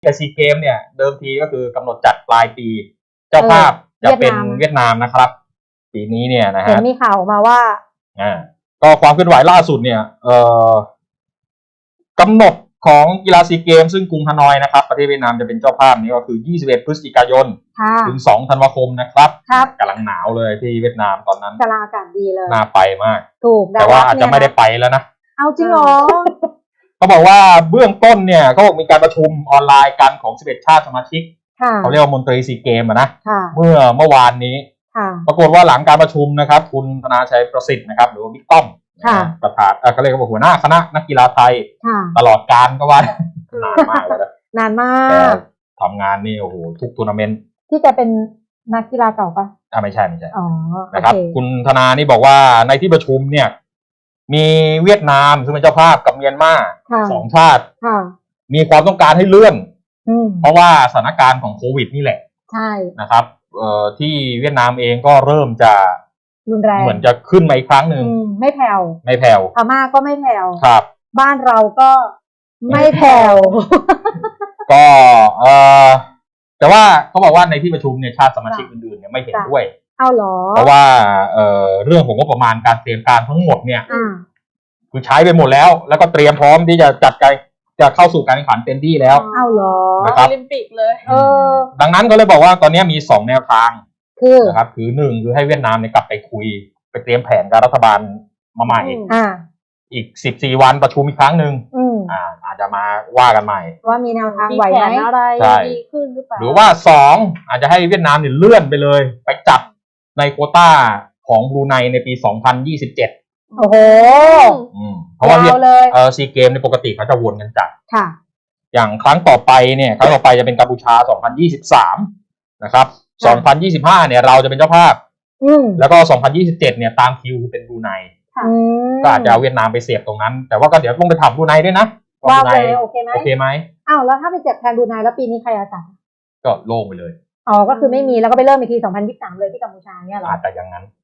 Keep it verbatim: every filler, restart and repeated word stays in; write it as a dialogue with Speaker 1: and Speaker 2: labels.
Speaker 1: กับซีเกมเนี่ยเดิมทีก็คือกำหนดจัดปลายปีเจ้าภาพจะเป็นเวียดนามนะครับปีนี้เนี่ยนะฮะ
Speaker 2: เห็นมีข่าวมาว่า
Speaker 1: อ่าก็ความเคลื่อนไหวล่าสุดเนี่ยเอ่อกำหนดของกีฬาซีเกมซึ่งกรุงฮานอยนะครับประเทศเวียดนามจะเป็นเจ้าภาพนี้ก็คือยี่สิบเอ็ดพฤศจิกายนถึงสองธันวาคมนะครับกำลังหนาวเลยที่เวียดนามตอนนั้น
Speaker 2: กำลังอากาศดีเลย
Speaker 1: น่าไปมาก
Speaker 2: ถูก
Speaker 1: แต่ว่าอาจจะไม่ได้ไปแล้วนะ
Speaker 2: เอาจริงเหรอ
Speaker 1: เขาบอกว่าเบื้องต้นเนี่ยเขาบอกมีการประชุมออนไลน์กันของสิบเอ็ดชาติสมาชิกเขาเรียกว่ามนตรีซีเกมนะเมื่อเมื่อวานนี้ปรากฏว่าหลังการประชุมนะครับคุณธนาชัยประสิทธิ์นะครับหรือว่าบิ๊กป้อมประธานเออเขาเรียกว่าหัวหน้าคณะนักกีฬาไทยตลอดการก็ว่านานมากเลยนะ
Speaker 2: นานมาก
Speaker 1: ทำงานนี่โอ้โหทุกทัวร์นาเมนต์
Speaker 2: ที่จะเป็นนักกีฬาเก่าปะ
Speaker 1: อ่าไม่ใช่ไม่ใช่
Speaker 2: อ๋อ
Speaker 1: นะครับคุณธนานี่บอกว่าในที่ประชุมเนี่ยมีเวียดนามซึ่งเป็นเจ้าภาพกับเมียนมาสองชาติมีความต้องการให้เลื่อนเพราะว่าสถานการณ์ของโควิดนี่แหละ
Speaker 2: ใช่
Speaker 1: นะครับเอ่อที่เวียดนามเองก็เริ่มจะ
Speaker 2: รุนแรง
Speaker 1: เหมือนจะขึ้นมาอีกครั้งหนึ่ง
Speaker 2: ไม่แผ่ว
Speaker 1: ไม่แผ่ว
Speaker 2: พม่าก็ไม่แผ่ว
Speaker 1: ครับ
Speaker 2: บ้านเราก็ไม่แผ่ว
Speaker 1: ก็เอ่อแต่ว่าเขาบอกว่าในที่ประชุมเนี่ยชาติสมาชิกอื่นๆเนี่ยไม่เห็นด้วย
Speaker 2: เอาหรอ
Speaker 1: เพราะว่าเอ่อเรื่องของงบประมาณการเตรียมการทั้งหมดเนี่ยคือใช้ไปหมดแล้วแล้วก็เตรียมพร้อมที่จะจัดการจะเข้าสู่การแข่งขันเต็มที่แล้ว
Speaker 2: เอาหรอ
Speaker 1: นะครับ
Speaker 3: โอลิมปิกเลย
Speaker 2: เออ
Speaker 1: ดังนั้นก็เลยบอกว่าตอนนี้มีสองแนวทาง
Speaker 2: คือ
Speaker 1: นะครับคือหนึ่งคือให้เวียดนามเนี่ยกลับไปคุยไปเตรียมแผนการรัฐบาลมาใหม่
Speaker 2: อ่า
Speaker 1: อีกสิบสี่วันประชุมอีกครั้งหนึ่งอ่าอาจจะมาว่ากันใหม่
Speaker 2: ว่ามีแนวทางไหวไหม
Speaker 3: อะไรดีขึ้นหรือเปล่า
Speaker 1: หรือว่าสองอาจจะให้เวียดนามเนี่ยเลื่อนไปเลยไปจับในโควต้าของบรูไนในปีสองพันยี่สิบเจ็ด
Speaker 2: โอ้โห
Speaker 1: เพราะว่าเออซีเกมในปกติเขาจะวนกันจัด
Speaker 2: ค่ะ
Speaker 1: อย่างครั้งต่อไปเนี่ยครั้งต่อไปจะเป็นกัมพูชาสองพันยี่สิบสามนะครับสองพันยี่สิบห้าเนี่ยเราจะเป็นเจ้าภาพแล้วก็สองพันยี่สิบเจ็ดเนี่ยตามคิวเป็นบรูไนก็อาจจะเอาเวียดนามไปเสียบตรงนั้นแต่ว่าก็เดี๋ยวต้องไปถามบรูไนด้วยนะ
Speaker 2: ว่าบรูไนโอเคไหม
Speaker 1: โอเคไหม
Speaker 2: อ้าวแล้วถ้าไปเสียบแทนบรูไนแล้วปีนี้ใครจะจัด
Speaker 1: ก็โล่งไปเลย
Speaker 2: อ๋อก็คือไม่มีแล้วก็ไปเริ่มอีกทีสองพันยี่สิบสามเลยที่กัมพูชาเนี่ยหรอ
Speaker 1: อาจจะอย่างนั้น